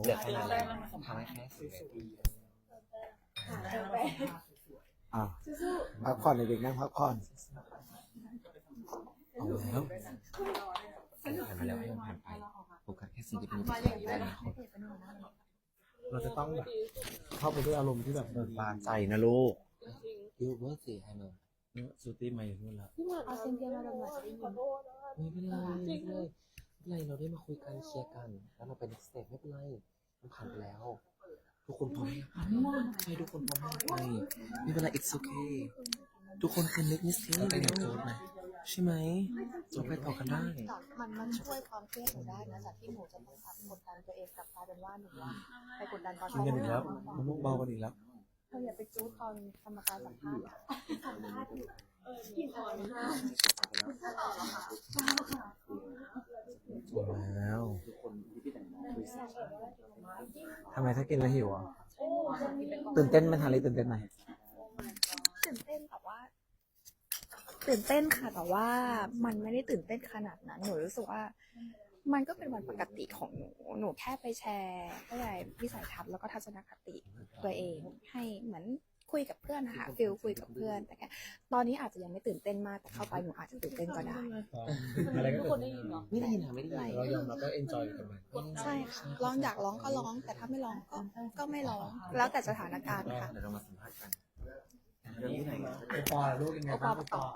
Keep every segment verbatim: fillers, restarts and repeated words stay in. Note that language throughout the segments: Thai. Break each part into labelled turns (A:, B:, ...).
A: เหลือแค่นั้นแล้วทำให้แค่สิบนาที
B: อ่ะพักผ่อนเด็กๆนั่งพักผ่อนเอาแล้ว
A: ผ่านมาแล้วให้มันผ่านไปโฟกัสแค่สิ่งที่เป็นได้นะ
B: เราจะต้องแบบเข้าไปด้วยอารมณ์ที่แบบเบิกบานใจนะลูก
A: ยูเบอร์สี่ให้มึง
B: เนื้อซูตี้มาอยู่นู่นแล้ว
C: เอาเซนเทียมาดมหน่อยจะได้ยิน
A: ไม่เป็นไรไม่เป็นไรไม่เป็นไรเราได้มาคุยกันเคลียร์กันแล้วเราไป next step ไม่เป็นไรมันผ่านไปแล้วทุกคนพร้อมใช่ทุกคนพร้อมให้ไปไม่เป็นไร it's okay ทุกคนคือ make mistake ไปเรียนโค้ดไหมใช่ไหมเราไปต่อกันได้
C: มันมันช่วยความเครียดหนูได้นะจากที่หนูจะต้องกดดันตัวเองกลับกลายเป็นว่าหนูว่าไปกดดันตอน
B: กินกันอีกแล้วมันมุกเบากันอีกแล้ว
C: เธออย่าไปจู๊ดตอนกรรมการสัมภาษณ์สัมภาษณ์อยู่กินอ่อนมาก
B: แล้วทำไมถ้ากินแล้วหิวอ่ะตื่นเต้นไหมทานอะไรตื่นเต้นไหม
C: ตื่นเต้นแต่ว่าตื่นเต้นค่ะแต่ว่ามันไม่ได้ตื่นเต้นขนาดนั้นหนูรู้สึกว่ามันก็เป็นวันปกติของหนูหนูแค่ไปแชร์อะไรวิสัยทัศน์แล้วก็ทัศนคติตัวเองให้เหมือนคุยกับเพื่อนนะคะฟิลคุยกับเพื่อนแต่แค่ตอนนี้อาจจะยังไม่ตื่นเต้นมากแต่เข้าไปหนูอาจจะตื่นเต้นก็ได้
B: อะไรก็ตื่นเต้น
A: ไม่ได้ยินนะไม่ได้ยิน
B: เรายอมรับก็เอนจอยกับมัน
C: ใช่ค่ะร้องอยากร้องก็ร้องแต่ถ้าไม่ร้องก็ก็ไม่ร้องแล้วแต่สถานการณ์ค่ะ
A: เดี๋ยวเรามาสัมภาษณ์กันเรื่องที่ไหน
B: โอปอลูกยังไงบ้างโอปอ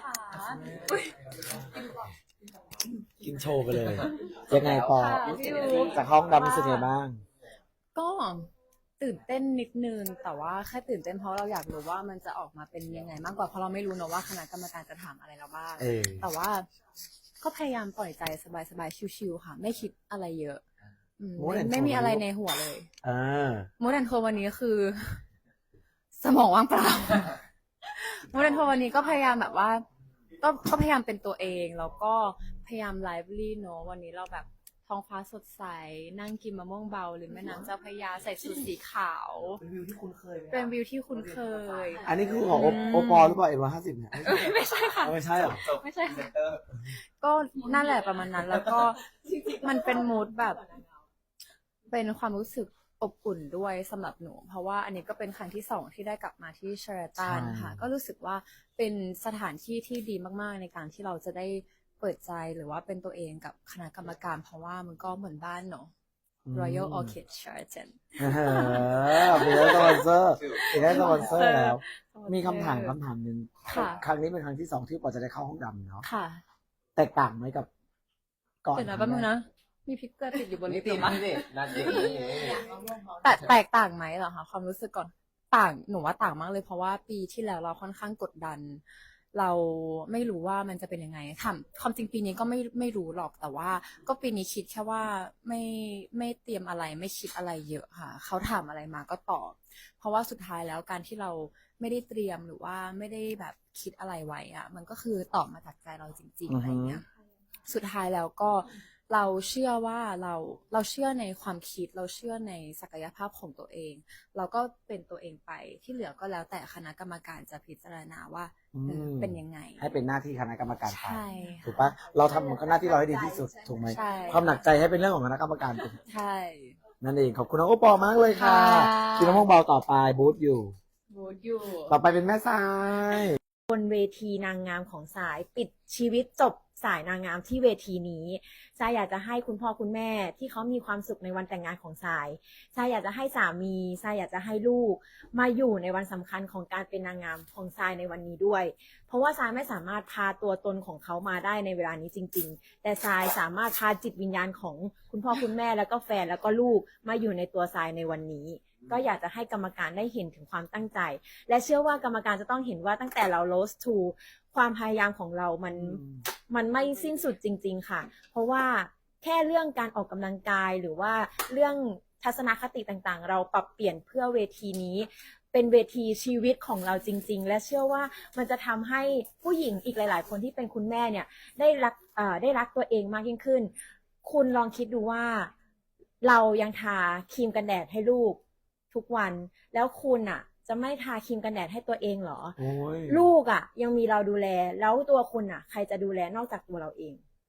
B: กินโชว์ไปเลยยังไงปอจากห้องดำรู้สึกไงบ้าง
D: ก็ตื่นเต้นนิดนึงแต่ว่าแค่ตื่นเต้นเพราะเราอยากรู้ว่ามันจะออกมาเป็นยังไงมากกว่าเพราะเราไม่รู้เนอะว่าคณะกรรมการจะถามอะไรเราบ้างแต่ว่าก็พยายามปล่อยใจสบายๆชิวๆค่ะไม่คิดอะไรเยอะไม่ไม่มีอะไรในหัวเลยมูดันโทวันนี้คือ สมองว่างเปล่ามูดันโทวันนี้ก็พยายามแบบว่าก็ก็พยายามเป็นตัวเองแล้วก็พยายามไลฟ์ลี่เนอะวันนี้เราแบบท้องฟ้าสดใสนั่งกินมะม่วงเบาหรือแม่น้ำเจ้าพระยาใส่ชุดสีขาว
A: เป็นวิวที่คุ้นเคย
D: เป็นวิวที่คุ้นเคย
B: อันนี้คือของโอปอหรือเปล่าเอ็นร้อยห้าสิบเนี่ย
D: ไม่ใช่ค่ะ
B: ไม่ใช่หรอ
D: ไม่ใช่ค่ะก็นั่นแหละประมาณนั้นแล้วก็มันเป็นมูดแบบเป็นความรู้สึกอบอุ่นด้วยสำหรับหนูเพราะว่าอันนี้ก็เป็นครั้งที่สองที่ได้กลับมาที่เชอร์ตันค่ะก็รู้สึกว่าเป็นสถานที่ที่ดีมากๆในการที่เราจะได้เปิดใจหรือว่าเป็นตัวเองกับคณะกรรมการเพราะว่ามันก็เหมือนบ้านเนาะ Royal Orchid Sheraton
B: เออเป็นได้สปอนเซอร์เป็นได้สปอนเซอร์แล้วมีคำถามคำถามหนึ่งครั้งนี้เป็นครั้งที่สองที่ปอจะได้เข้าห้องดำเนาะ
D: ค่ะ
B: แตกต่างไหมกับก่อน
D: เดี๋ยวนะแป๊บนึงนะมีพิกเกอร์ติดอยู่บนลิ้น
A: มั้ย
D: แต่แตกต่างไหมเหรอคะความรู้สึกก่อนต่างหนูว่าต่างมากเลยเพราะว่าปีที่แล้วเราค่อนข้างกดดันเราไม่รู้ว่ามันจะเป็นยังไงถามความจริงปีนี้ก็ไม่ไม่รู้หรอกแต่ว่าก็ปีนี้คิดแค่ว่าไม่ไม่เตรียมอะไรไม่คิดอะไรเยอะค่ะเขาถามอะไรมาก็ตอบเพราะว่าสุดท้ายแล้วการที่เราไม่ได้เตรียมหรือว่าไม่ได้แบบคิดอะไรไว้อะมันก็คือตอบมาจากใจเราจริงๆอะไรเงี้ยสุดท้ายแล้วก็เราเชื่อว่าเราเราเชื่อในความคิดเราเชื่อในศักยภาพของตัวเองเราก็เป็นตัวเองไปที่เหลือก็แล้วแต่คณะกรรมการจะพิจารณาว่าเป็นยังไง
B: ให้เป็นหน้าที่คณะกรรมการไป
D: ใช่
B: ถูกปะเราทำมันก็หน้าที่เราให้ดีที่สุดถูกไหมความหนักใจให้เป็นเรื่องของคณะกรรมการ
D: ใช่
B: นั่นเองขอบคุณน้องโอปอมากเลยค่ะกินน้ำมันเบาต่อไปบูธอยู่
D: บูธอยู่
B: ต่อไปเป็นแม่ทราย
C: บนเวทีนางงามของสายปิดชีวิตจบสายนางงามที่เวทีนี้ทรายอยากจะให้คุณพ่อคุณแม่ที่เขามีความสุขในวันแต่งงานของทรายทรายอยากจะให้สามีทรายอยากจะให้ลูกมาอยู่ในวันสำคัญของการเป็นนางงามของทรายในวันนี้ด้วยเพราะว่าทรายไม่สามารถพาตัวตนของเขามาได้ในเวลานี้จริงๆแต่ทรายสามารถพาจิตวิญญาณของคุณพ่อคุณแม่แล้วก็แฟนแล้วก็ลูกมาอยู่ในตัวทรายในวันนี้ก็อยากจะให้กรรมการได้เห็นถึงความตั้งใจและเชื่อว่ากรรมการจะต้องเห็นว่าตั้งแต่เรา Rose to ความพยายามของเรามันมันไม่สิ้นสุดจริงๆค่ะเพราะว่าแค่เรื่องการออกกำลังกายหรือว่าเรื่องทัศนคติต่างๆเราปรับเปลี่ยนเพื่อเวทีนี้เป็นเวทีชีวิตของเราจริงๆและเชื่อว่ามันจะทำให้ผู้หญิงอีกหลายๆคนที่เป็นคุณแม่เนี่ยได้รักเอ่อได้รักตัวเองมากยิ่งขึ้นคุณลองคิดดูว่าเรายังทาครีมกันแดดให้ลูกทุกวันแล้วคุณอ่ะจะไม่ทาครีมกันแดดให้ตัวเองเหรอลูกอ่ะยังมีเราดูแลแล้วตัวคุณอ่ะใครจะดูแลนอกจากตัวเราเอง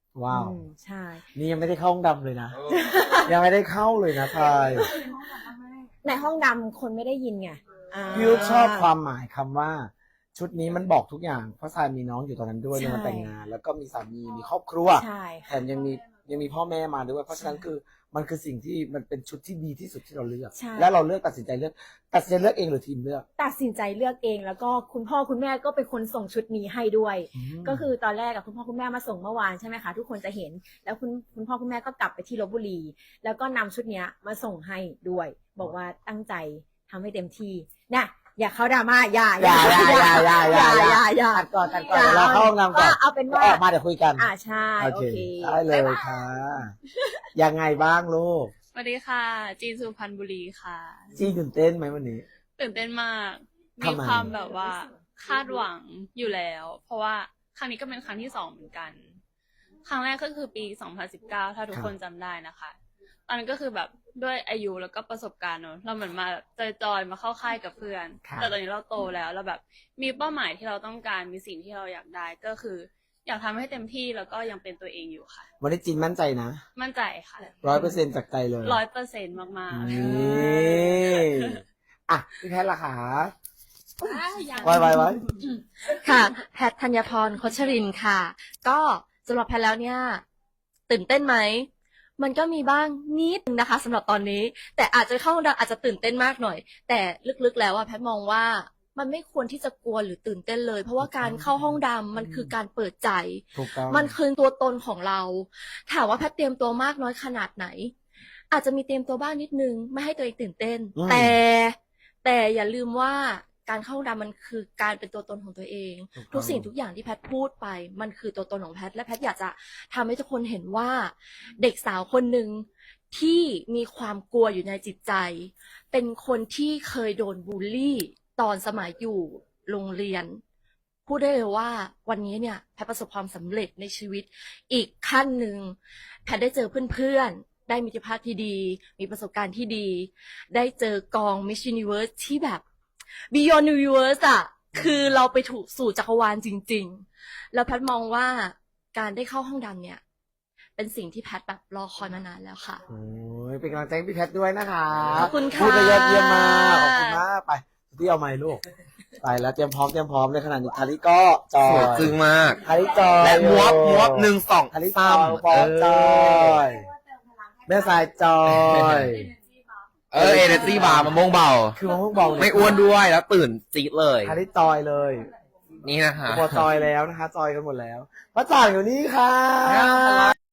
B: ว้าว
C: อืมใช่
B: นี่ยังไม่ได้เข้าห้องดำเลยนะ ยังไม่ได้เข้าเลยนะทราย
C: ในห้องดำคนไม่ได้ยินไงอ่า
B: พี่ยุทธชอบความหมายคำว่า ชุดนี้มันบอกทุกอย่างเพราะทรายมีน้องอยู่ตอนนั้นด้วย
C: ใช่
B: ในวันแต่งงาน แล้วก็มีสามีมีครอบครัว
C: ใช่
B: แถมยังมียังมีพ่อแม่มาด้วยเพราะฉะนั้น
C: ใช่
B: คือมันคือสิ่งที่มันเป็นชุดที่ดีที่สุดที่เราเลือก
C: ใช่
B: และเราเลือกตัดสินใจเลือกตัดสินใจเลือกเองหรือทีมเลือก
C: ตัดสินใจเลือกเองแล้วก็คุณพ่อคุณแม่ก็เป็นคนส่งชุดนี้ให้ด้วย
B: ม
C: ก็คือตอนแรกกับคุณพ่อคุณแม่มาส่งเมื่อวานใช่ไหมคะทุกคนจะเห็น แล้วคุณคุณพ่อคุณแม่ก็กลับไปที่ลพบุรี แล้วก็นำชุดเนี้ยมาส่งให้ด้วย บอกว่าตั้งใจทำให้เต็มที่นะอย่าเข้าดราม่าอย่า
B: อย่าอย่าอย่าอย่าอย่าอย่า
C: อย่าอย่า
B: ตัดก่อนตัดก่อนเดี๋ยวเราเข้าห้องน้ำก่อน
C: เอาเป็นว่า
B: ออกมาเดี๋ยวคุยกัน
C: อ่าใช่
B: โอ
C: โอ
B: เค
C: เค
B: ได้เลยค่ะ ยังไงบ้างลูก
E: สวัสดีค่ะ จีนสุพรรณบุรีค่ะ
B: จีตื่นเต้นไหมวันนี้
E: ตื่นเต้นมาก
B: ทำ
E: มี
B: ไม
E: ความแบบว่าคาดหวังอยู่แล้ว เพราะว่าครั้งนี้ก็เป็นครั้งที่สองเหมือนกัน ครั้งแรกก็คือปี สองพันสิบเก้า ถ้าทุกคนจำได้นะคะ ตอนนั้นก็คือแบบด้วยอายุแล้วก็ประสบการณ์เนอะเราเหมือนมาจอยๆมาเข้าค่ายกับเพื่อน
B: ครับ
E: แต่ตอนนี้เราโตแล้วเราแบบมีเป้าหมายที่เราต้องการมีสิ่งที่เราอยากได้ก็คือ อยากทำให้เต็มที่แล้วก็ยังเป็นตัวเองอยู่ค่ะ
B: วันนี้จีนมั่นใจนะ
E: มั่นใจค่ะ
B: ร้อยเปอร์เซ็นต์จากใจเลย
E: ร้อยเปอร์เซ็นต์มากๆ
B: นี่อ่ะพี่แพทย์ล่ะคะ
E: ยัง
B: ไว้ไว้ไว้
F: ค่ะแพทธัญพรโคชรินทร์ค่ะ ก็สำหรับแพทแล้วเนี่ย ตื่นเต้นไหม มันก็มีบ้างนิดนึงนะคะสำหรับตอนนี้ แต่อาจจะเข้าห้องดำอาจจะตื่นเต้นมากหน่อย แต่ลึกๆแล้วอะแพทมองว่ามันไม่ควรที่จะกลัวหรือตื่นเต้นเลย เพราะว่าการเข้าห้องดำมันคือการเปิดใจ
B: ถูกต้อง
F: มันคือตัวตนของเรา ถามว่าแพทเตรียมตัวมากน้อยขนาดไหน อาจจะมีเตรียมตัวบ้างนิดนึง ไม่ให้ตัวเองตื่นเต้น
B: อืม
F: แต่ แต่อย่าลืมว่าการเข้าห้องดำมันคือการเป็นตัวตนของตัวเอง
B: ถูกต้อง
F: ทุกสิ่งทุกอย่างที่แพทพูดไป มันคือตัวตนของแพท และแพทอยากจะทำให้ทุกคนเห็นว่า เด็กสาวคนหนึ่งที่มีความกลัวอยู่ในจิตใจ เป็นคนที่เคยโดนบูลลี่ ตอนสมัยอยู่โรงเรียน พูดได้เลยว่าวันนี้เนี่ยแพทประสบความสำเร็จในชีวิตอีกขั้นหนึ่งแพทได้เจอเพื่อนๆ ได้มิตรภาพที่ดี มีประสบการณ์ที่ดี ได้เจอกอง Miss Universe ที่แบบ Beyond Universe อะคือเราไปถูกสู่จักรวาลจริงๆ แล้วแพทมองว่าการได้เข้าห้องดำเนี่ย เป็นสิ่งที่แพทแบบรอคอยมานานแล้วค่ะ
B: โอ้ยเป็นกำลังใจให้พี่แพทย์ด้วยนะคะ
F: ขอบคุณค่ะ
B: พูดไปยอดเยี่ยมมากขอบคุณมากไปที่เอาไม้ลูก ไปแล้วเตรียมพร้อมเตรียมพร้อมในขณะนี้ทาริก็จอ
A: สวย
B: ย
A: จึงมาก
B: ทาริจอย
A: และมวบมวบหนึ่งสอง
B: ทาริจ
A: สา
B: อย
A: ม
B: บอลจอยแม่สายจอย
A: เออเอเนจีบาร์มะม่วงเบา
B: คือมะม่วงเบาเนี่ย
A: ไม่อ้วนด้วยแล้วตื่นจี๊ดเลย
B: ทาริจอยเลย
A: นี่นะคะ
B: พอจอยแล้วนะคะ จอยกันหมดแล้วพระจ่างอยู่นี่ค่ะ